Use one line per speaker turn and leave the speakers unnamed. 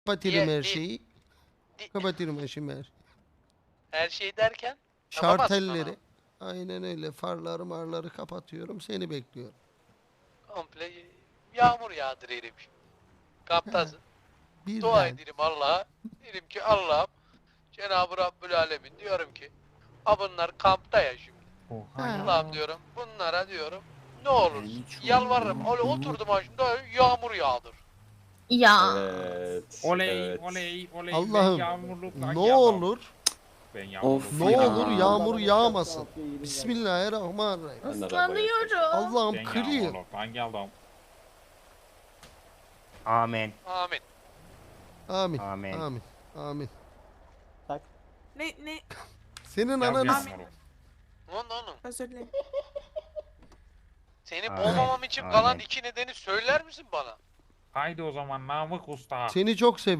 Kapatırım her
Di-
şeyi. Kapatırım her şeyi.
Her şey derken
Şartelleri. Aynen öyle. Farları marları kapatıyorum. Seni bekliyorum.
komple yağmur yağdırırım. Kaptasın. Dua
Birden.
ederim Allah'a. Derim ki Allah'ım Cenab-ı Rabbül Alemin diyorum ki bunlar kampta ya şimdi. Allah'ım diyorum bunlara diyorum ne olur yalvarırım. Öyle oturdum başımda yağmur yağdır.
Ya.
Evet.
Oley
evet.
oley oley.
Allah'ım,
Ben yağmurlukla
ne
geldim.
olur
Ben
Of
yağmurlukla
ne
ya.
olur
geldim.
yağmur yağmasın. Bismillahirrahmanirrahim.
Ben de
Islanıyorum.
Allah'ım
Ben
kırıyor.
yağmurlukla geldim.
Amen.
Amin.
Amin.
Amin.
Amin. Amin.
Ne?
Senin
Gel
ananı
yağmurluk.
Onun.
Özür dilerim.
Seni
Amin.
boğmamam için kalan
Amin.
2 nedeni söyler misin bana?
Haydi o zaman Namık Usta.
seni çok seviyorum.